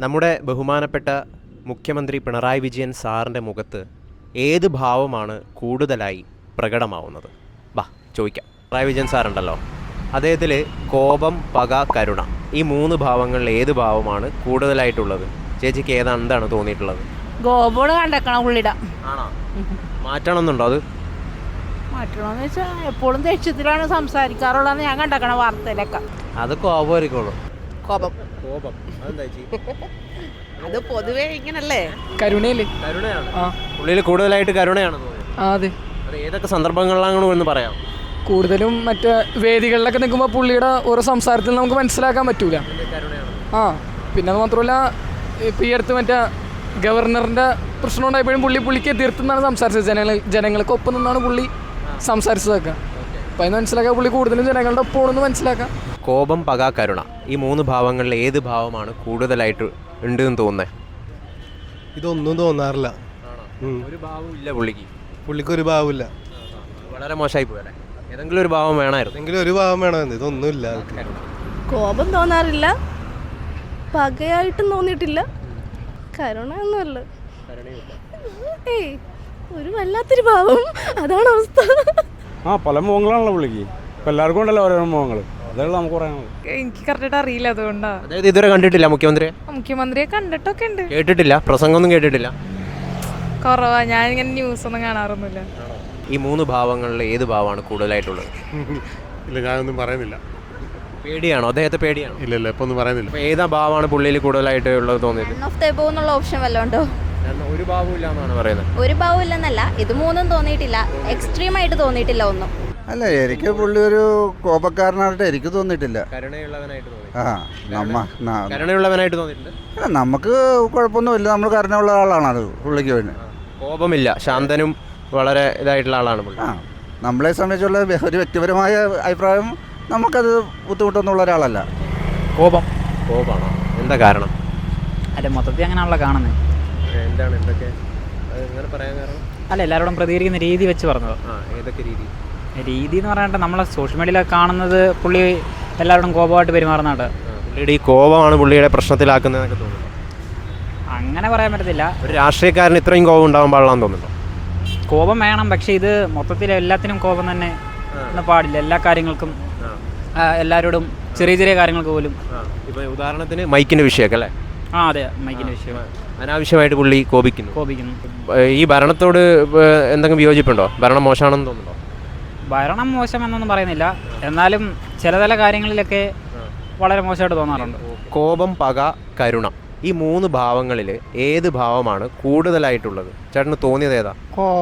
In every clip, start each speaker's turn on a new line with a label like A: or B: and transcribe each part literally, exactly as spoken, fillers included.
A: നമ്മുടെ ബഹുമാനപ്പെട്ട മുഖ്യമന്ത്രി പിണറായി വിജയൻ സാറിൻ്റെ മുഖത്ത് ഏത് ഭാവമാണ് കൂടുതലായി പ്രകടമാവുന്നത്? ബാ ചോദിക്കാം. പിണറായി വിജയൻ സാറുണ്ടല്ലോ, അദ്ദേഹത്തിൽ കോപം, പക, കരുണ ഈ മൂന്ന് ഭാവങ്ങളിൽ ഏത് ഭാവമാണ് കൂടുതലായിട്ടുള്ളത്? ചേച്ചിക്ക് ഏതാണ് എന്താണ് തോന്നിയിട്ടുള്ളത്?
B: ഗോപോട് കണ്ടേക്കണം പുള്ളിയുടെ.
A: ആണോ? മാറ്റണമെന്നുണ്ടോ? അത്
B: മാറ്റണമെന്ന് വെച്ചാൽ എപ്പോഴും ദേഷ്യത്തിലാണ് സംസാരിക്കാറുള്ളതെന്ന് ഞാൻ കണ്ടേക്കണ വാർത്തയിലൊക്കെ.
A: അത് കോപമായിരിക്കുള്ളൂ.
B: കോപം
A: കോപം
B: അത് പൊതുവേ ഇങ്ങനല്ലേ?
C: കരുണയില്ലേ?
A: കരുണയാണ്. പുള്ളിയിൽ കൂടുതലായിട്ട് കരുണയാണ് തോന്നുന്നത്.
C: അതെ.
A: അത് ഏതൊക്കെ സന്ദർഭങ്ങളിലാണ് എന്ന് പറയാം?
C: കൂടുതലും മറ്റേ വേദികളിലൊക്കെ നിൽക്കുമ്പോൾ പുള്ളിയുടെ ഓരോ സംസാരത്തിൽ നമുക്ക് മനസ്സിലാക്കാൻ പറ്റൂല. ആ പിന്നെ അത് മാത്രമല്ല, ഇപ്പം ഈ അടുത്ത് മറ്റേ ഗവർണറിൻ്റെ പ്രശ്നം ഉണ്ടായപ്പോഴും പുള്ളി പുള്ളിക്ക് എതിർത്തുനിന്നാണ് സംസാരിച്ചത്. ജനങ്ങൾ ജനങ്ങൾക്ക് ഒപ്പം നിന്നാണ് പുള്ളി സംസാരിച്ചതൊക്കെ. അപ്പം അതിന് മനസ്സിലാക്കാൻ പുള്ളി കൂടുതലും ജനങ്ങളുടെ ഒപ്പമാണെന്ന് മനസ്സിലാക്കാം.
A: കോപം, പക, കരുണ ഈ മൂന്ന് ഭാവങ്ങളിൽ ഏത് ഭാവമാണ് കൂടുതലായിട്ട് ഉണ്ട് എന്ന് തോന്നുന്നത്?
D: ഇതൊന്നും തോന്നാറില്ല.
A: ഒരു ഭാവവും ഇല്ല പുള്ളിക്ക്.
D: പുള്ളിക്കൊരു ഭാവമില്ല.
A: വളരെ മോശമായി പോയല്ലേ? ഏതെങ്കിലും ഒരു ഭാവം വേണമായിരുന്നു.
D: എങ്കിലും ഒരു ഭാവം വേണമെന്ന്. ഇതൊന്നുമില്ല.
E: കോപം തോന്നാറില്ല, പകയായിട്ടും തോന്നിയിട്ടില്ല, കരുണ ഒന്നുമല്ല. ഏയ് ഒരു വല്ലാത്തൊരു ഭാവം, അതാണ് അവസ്ഥ.
F: ആ പല മുഖങ്ങളാണല്ലോ പുള്ളിക്ക്. ഇപ്പം എല്ലാവർക്കും ഉണ്ടല്ലോ ഓരോ മുഖങ്ങൾ. അതാണ് നമുക്ക് പറയാനുള്ളത്.
G: എനിക്ക് കറക്റ്റായിട്ട് അറിയില്ല, അതുകൊണ്ടാണ്.
A: അതായത് ഇതുവരെ കണ്ടിട്ടില്ല മുഖ്യമന്ത്രിയെ?
G: മുഖ്യമന്ത്രിയെ കണ്ടിട്ടൊക്കെ ഉണ്ട്.
A: കേട്ടിട്ടില്ല? പ്രസംഗമൊന്നും കേട്ടിട്ടില്ല?
G: കുറവാ, ഞാനിങ്ങനെ ന്യൂസ് ഒന്നും കാണാറൊന്നുമില്ല.
A: ഈ മൂന്ന് ഭാവങ്ങളിൽ ഏത് ഭാവമാണ് കൂടുതലായിട്ടുള്ളത്?
D: ഇല്ല, ഞാനൊന്നും പറയുന്നില്ല.
A: പേടിയാണോ? അദ്ദേഹത്തെ പേടിയാണോ?
D: ഇല്ല ഇല്ല ഇപ്പൊ ഒന്നും പറയുന്നില്ല.
A: അപ്പോൾ ഏതാ ഭാവമാണ് പുള്ളിയിൽ കൂടുതലായിട്ട് ഉള്ളത് തോന്നിയത്?
E: None of the above എന്നുള്ള ഓപ്ഷൻ വല്ലതും ഉണ്ടോ?
A: ഒരു ഭാവവും ഇല്ല എന്നാണ് പറയുന്നത്.
E: ഒരു ഭാവം ഇല്ലെന്നല്ല, ഇത് മൂന്നും തോന്നിയിട്ടില്ല, എക്സ്ട്രീം ആയിട്ട് തോന്നിയിട്ടില്ല ഒന്നും.
H: അല്ല, എനിക്ക് പുള്ളി ഒരു കോപക്കാരനായിട്ട് എനിക്ക് തോന്നിയിട്ടില്ല.
A: കരുണയുള്ളവനായിട്ട് തോന്നി.
H: ആ നമ്മ ന-
A: കരുണയുള്ളവനായിട്ട് തോന്നിയിട്ടുണ്ട്.
H: അല്ല, നമുക്ക് കുഴപ്പമൊന്നുമില്ല. നമ്മൾ കരുണയുള്ള ആളാണ് അത് പുള്ളിക്ക് വേണ്ടി.
A: കോപമില്ല, ശാന്തനും വളരെ ഇതായിട്ടുള്ള ആളാണ് പുള്ളി.
H: ആ നമ്മളെ സംബന്ധിച്ചുള്ള വ്യ- ഒരു വ്യക്തിപരമായ അഭിപ്രായം, നമുക്കത് ബുദ്ധിമുട്ടൊന്നുള്ള ഒരാളല്ല.
C: കോപം.
A: കോപമാണോ? എന്താ കാരണം?
C: അല്ല, മൊത്തത്തിൽ അങ്ങനെയാണല്ലോ കാണുന്നത്.
A: എന്താണ് എന്തൊക്കെ അങ്ങനെ പറയാൻ കാരണം?
C: അല്ല, എല്ലാവരോടും പ്രതികരിക്കുന്ന രീതി വെച്ച് പറഞ്ഞത്.
A: ആ ഏതൊക്കെ രീതി?
C: രീതി എന്ന് പറയാനായിട്ട് നമ്മളെ സോഷ്യൽ മീഡിയയിലൊക്കെ കാണുന്നത് പുള്ളി എല്ലാവരോടും കോപമായിട്ട് പെരുമാറുന്നതാണ്.
A: പുള്ളിയുടെ ഈ കോപമാണ് പുള്ളിയുടെ പ്രശ്നത്തിലാക്കുന്നതൊക്കെ തോന്നുന്നു.
C: അങ്ങനെ പറയാൻ പറ്റത്തില്ല.
A: ഒരു രാഷ്ട്രീയക്കാരന് ഇത്രയും കോപം ഉണ്ടാകാൻ പാടില്ലാന്ന് തോന്നുന്നുണ്ടോ?
C: കോപം വേണം, പക്ഷേ ഇത് മൊത്തത്തിൽ എല്ലാത്തിനും കോപം തന്നെ ഒന്നും പാടില്ല. എല്ലാ കാര്യങ്ങൾക്കും ആ, എല്ലാവരോടും ചെറിയ ചെറിയ കാര്യങ്ങൾക്ക് പോലും.
A: ഇപ്പം ഉദാഹരണത്തിന് മൈക്കിൻ്റെ വിഷയമൊക്കെ അല്ലേ?
C: ആ അതെ, മൈക്കിൻ്റെ വിഷയം
A: അനാവശ്യമായിട്ട് പുള്ളി കോപിക്കുന്നു.
C: കോപിക്കുന്നു.
A: ഈ ഭരണത്തോട് എന്തെങ്കിലും വിയോജിപ്പുണ്ടോ? ഭരണം മോശമാണെന്ന് തോന്നുന്നുണ്ടോ?
C: ഭരണം മോശം എന്നൊന്നും പറയുന്നില്ല, എന്നാലും ചില ചില കാര്യങ്ങളിലൊക്കെ വളരെ മോശമായിട്ട് തോന്നാറുണ്ട്.
A: കോപം, പക, കരുണ ഈ മൂന്ന് ഭാവങ്ങളിൽ ഏത് ഭാവമാണ് കൂടുതലായിട്ടുള്ളത്? ചേട്ടന് തോന്നിയത് ഏതാ?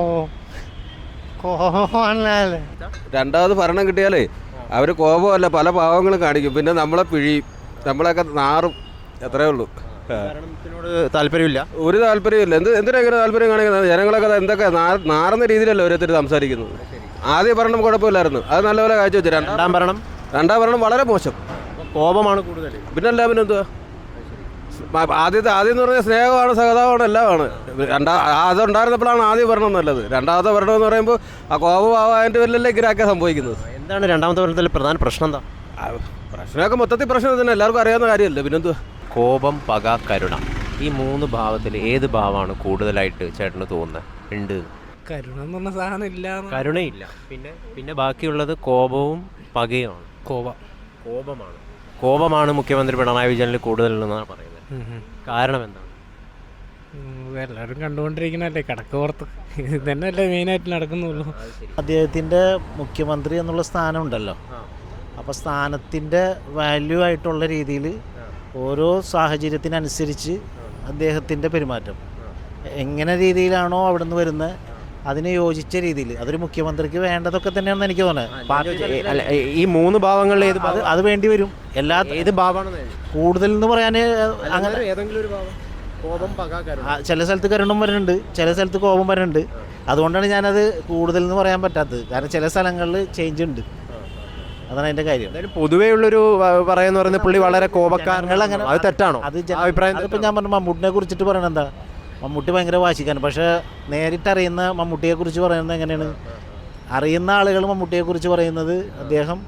I: രണ്ടാമത് ഭരണം കിട്ടിയാലേ അവർ കോപമല്ല പല ഭാവങ്ങളും കാണിക്കും. പിന്നെ നമ്മളെ പിഴിയും, നമ്മളൊക്കെ നാറും, അത്രേ ഉള്ളൂ.
A: ഭരണത്തിനോട് താല്പര്യമില്ല?
I: ഒരു താല്പര്യമില്ല. എന്ത് എന്തിനാ ഇങ്ങനെ താല്പര്യം കാണിക്കുന്നത്? ജനങ്ങളൊക്കെ എന്തൊക്കെ നാറുന്ന രീതിയിലല്ല ഓരോരുത്തർ സംസാരിക്കുന്നത്. ആദ്യ ഭരണം കുഴപ്പമില്ലായിരുന്നു, അത് നല്ലപോലെ കാഴ്ച വെച്ചു. രണ്ടാം ഭരണം രണ്ടാം ഭരണം വളരെ മോശം.
A: കോപമാണ് കൂടുതൽ.
I: പിന്നല്ല, പിന്നെന്തുവാ? ആദ്യത്തെ ആദ്യം എന്ന് പറഞ്ഞാൽ സ്നേഹമാണ്, സഹതാപമാണ്, എല്ലാമാണ്. രണ്ടാ അതുണ്ടായിരുന്നപ്പോഴാണ് ആദ്യം ഭരണം നല്ലത്. രണ്ടാമത്തെ ഭരണം എന്ന് പറയുമ്പോൾ ആ കോപഭാവമായിട്ട് വല്ലല്ലേ ഇങ്ങനെയൊക്കെ സംഭവിക്കുന്നത്.
A: എന്താണ് രണ്ടാമത്തെ ഭരണത്തിൽ പ്രധാന പ്രശ്നം? എന്താ
I: പ്രശ്നമൊക്കെ മൊത്തത്തിൽ പ്രശ്നം തന്നെ, എല്ലാവർക്കും അറിയാവുന്ന കാര്യമല്ലേ. പിന്നെന്തുവാ?
A: കോപം, പക, കരുണ ഈ മൂന്ന് ഭാവത്തിൽ ഏത് ഭാവമാണ് കൂടുതലായിട്ട് ചേട്ടന് തോന്നുന്നത് ഉണ്ട്?
C: കരുണ എന്ന് പറഞ്ഞ സാധനം ഇല്ല.
A: കരുണയില്ല. പിന്നെ പിന്നെ ബാക്കിയുള്ളത് കോപവും പകയുമാണ്.
C: കോപം
A: കോപമാണ് കോപമാണ് മുഖ്യമന്ത്രി പിണറായി വിജയനിൽ കൂടുതലെന്നാണ് പറയുന്നത്. കാരണം എന്താണ്?
C: എല്ലാവരും കണ്ടുകൊണ്ടിരിക്കണല്ലേ, കടക്ക് പുറത്ത് ഇത് തന്നെയല്ലേ മെയിനായിട്ട് നടക്കുന്നുള്ളൂ.
J: അദ്ദേഹത്തിൻ്റെ മുഖ്യമന്ത്രി എന്നുള്ള സ്ഥാനം ഉണ്ടല്ലോ, അപ്പോൾ സ്ഥാനത്തിൻ്റെ വാല്യൂ ആയിട്ടുള്ള രീതിയിൽ ഓരോ സാഹചര്യത്തിനനുസരിച്ച് അദ്ദേഹത്തിൻ്റെ പെരുമാറ്റം എങ്ങനെ രീതിയിലാണോ അവിടെ നിന്ന് വരുന്നത് അതിന് യോജിച്ച രീതിയിൽ അതൊരു മുഖ്യമന്ത്രിക്ക് വേണ്ടതൊക്കെ തന്നെയാണെന്ന് എനിക്ക് തോന്നുന്നത്.
A: ഈ മൂന്ന് ഭാവങ്ങളിൽ ഏത്
J: അത് അത് വേണ്ടി വരും. എല്ലാ
A: ഏത് ഭാവമാണ്
J: കൂടുതൽ എന്ന് പറയാൻ അങ്ങനെ
A: ഏതെങ്കിലും ഒരു ഭാവം? കോപം, പക, കരുണ.
J: ചില സ്ഥലത്ത് കരുണം വരുന്നുണ്ട്, ചില സ്ഥലത്ത് കോപം വരുന്നുണ്ട്. അതുകൊണ്ടാണ് ഞാനത് കൂടുതൽ എന്ന് പറയാൻ പറ്റാത്തത്. കാരണം ചില സ്ഥലങ്ങളിൽ ചേഞ്ച് ഉണ്ട്, അതാണ് അതിൻ്റെ കാര്യം.
A: പൊതുവേ ഉള്ളൊരു പറയുന്ന പറയുന്നത് പുള്ളി വളരെ കോപക്കാരങ്ങൾ, അങ്ങനെ അത് തെറ്റാണോ? അത് അഭിപ്രായം.
J: അതിപ്പോൾ ഞാൻ പറഞ്ഞു മമ്മൂട്ടിനെ കുറിച്ചിട്ട് പറയണത് എന്താ, മമ്മൂട്ടി ഭയങ്കര വാശിക്കാണ്. പക്ഷേ നേരിട്ടറിയുന്ന മമ്മൂട്ടിയെക്കുറിച്ച് പറയുന്നത് എങ്ങനെയാണ്? അറിയുന്ന ആളുകൾ മമ്മൂട്ടിയെക്കുറിച്ച് പറയുന്നത് അദ്ദേഹം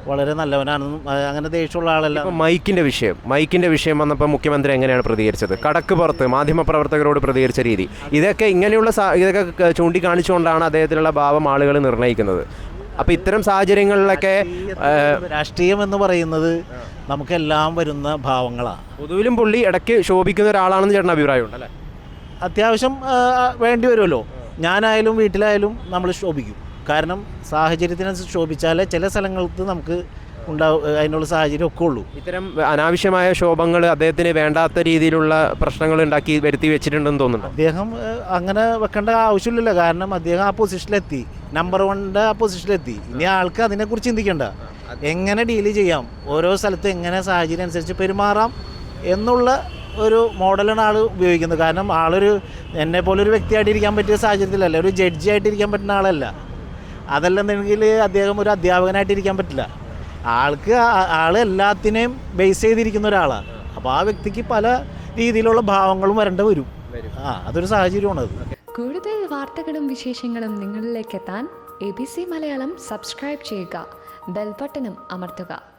J: വളരെ നല്ലവനാണെന്നും ആ, അങ്ങനെ ദേഷ്യമുള്ള ആളല്ല.
A: ഇപ്പം മൈക്കിൻ്റെ വിഷയം മൈക്കിൻ്റെ വിഷയം വന്നപ്പോൾ മുഖ്യമന്ത്രി എങ്ങനെയാണ് പ്രതികരിച്ചത്? കടക്ക് പുറത്ത് മാധ്യമപ്രവർത്തകരോട് പ്രതികരിച്ച രീതി, ഇതൊക്കെ ഇങ്ങനെയുള്ള സാ ഇതൊക്കെ ക- ചൂണ്ടിക്കാണിച്ചുകൊണ്ടാണ് അദ്ദേഹത്തിലുള്ള ഭാവം ആളുകൾ നിർണ്ണയിക്കുന്നത്. അപ്പോൾ ഇത്തരം സാഹചര്യങ്ങളിലൊക്കെ ആ,
J: രാഷ്ട്രീയം എന്ന് പറയുന്നത് നമുക്കെല്ലാം വരുന്ന ഭാവങ്ങളാണ്.
A: പൊതുവിലും പുള്ളി ഇടയ്ക്ക് ശോഭിക്കുന്ന ഒരാളാണെന്ന് ചേട്ടൻ അഭിപ്രായമുണ്ട് അല്ലേ?
J: അത്യാവശ്യം ആ, വേണ്ടി വരുമല്ലോ. ഞാനായാലും വീട്ടിലായാലും നമ്മൾ ശോഭിക്കും. കാരണം സാഹചര്യത്തിനനുസരിച്ച് ശോഭിച്ചാലേ ചില സ്ഥലങ്ങൾക്ക് നമുക്ക് ഉണ്ടാവും, അതിനുള്ള സാഹചര്യം ഒക്കെ ഉള്ളൂ.
A: ഇത്തരം അനാവശ്യമായ ശോഭങ്ങൾ അദ്ദേഹത്തിന് വേണ്ടാത്ത രീതിയിലുള്ള പ്രശ്നങ്ങൾ ഉണ്ടാക്കി വരുത്തി വെച്ചിട്ടുണ്ടെന്ന് തോന്നുന്നു.
J: അദ്ദേഹം ആ, അങ്ങനെ വെക്കേണ്ട ആവശ്യമില്ലല്ലോ. കാരണം അദ്ദേഹം ആ പൊസിഷനിലെത്തി, നമ്പർ വണ്ണിൻ്റെ ആ പൊസിഷനിലെത്തി. ഇനി ആൾക്ക് അതിനെക്കുറിച്ച് ചിന്തിക്കേണ്ട, എങ്ങനെ ഡീൽ ചെയ്യാം, ഓരോ സ്ഥലത്ത് എങ്ങനെ സാഹചര്യം അനുസരിച്ച് പെരുമാറാം എന്നുള്ള ഒരു മോഡലാണ് ആൾ ഉപയോഗിക്കുന്നത്. കാരണം ആളൊരു എന്നെ പോലെ ഒരു വ്യക്തിയായിട്ടിരിക്കാൻ പറ്റിയ സാഹചര്യത്തിലല്ല, ഒരു ജഡ്ജി ആയിട്ടിരിക്കാൻ പറ്റുന്ന ആളല്ല. അതല്ലെന്നുണ്ടെങ്കിൽ അദ്ദേഹം ഒരു അധ്യാപകനായിട്ടിരിക്കാൻ പറ്റില്ല. ആൾക്ക് ആ- ആൾ എല്ലാത്തിനെയും ബേസ് ചെയ്തിരിക്കുന്ന ഒരാളാണ്. അപ്പോൾ ആ വ്യക്തിക്ക് പല രീതിയിലുള്ള ഭാവങ്ങളും വരേണ്ടി വരും. ആ അതൊരു സാഹചര്യമാണത്.
K: കൂടുതൽ വാർത്തകളും വിശേഷങ്ങളും നിങ്ങളിലേക്ക് എത്താൻ A B C Malayalam subscribe ചെയ്യുക, ബെൽബട്ടനും അമർത്തുക.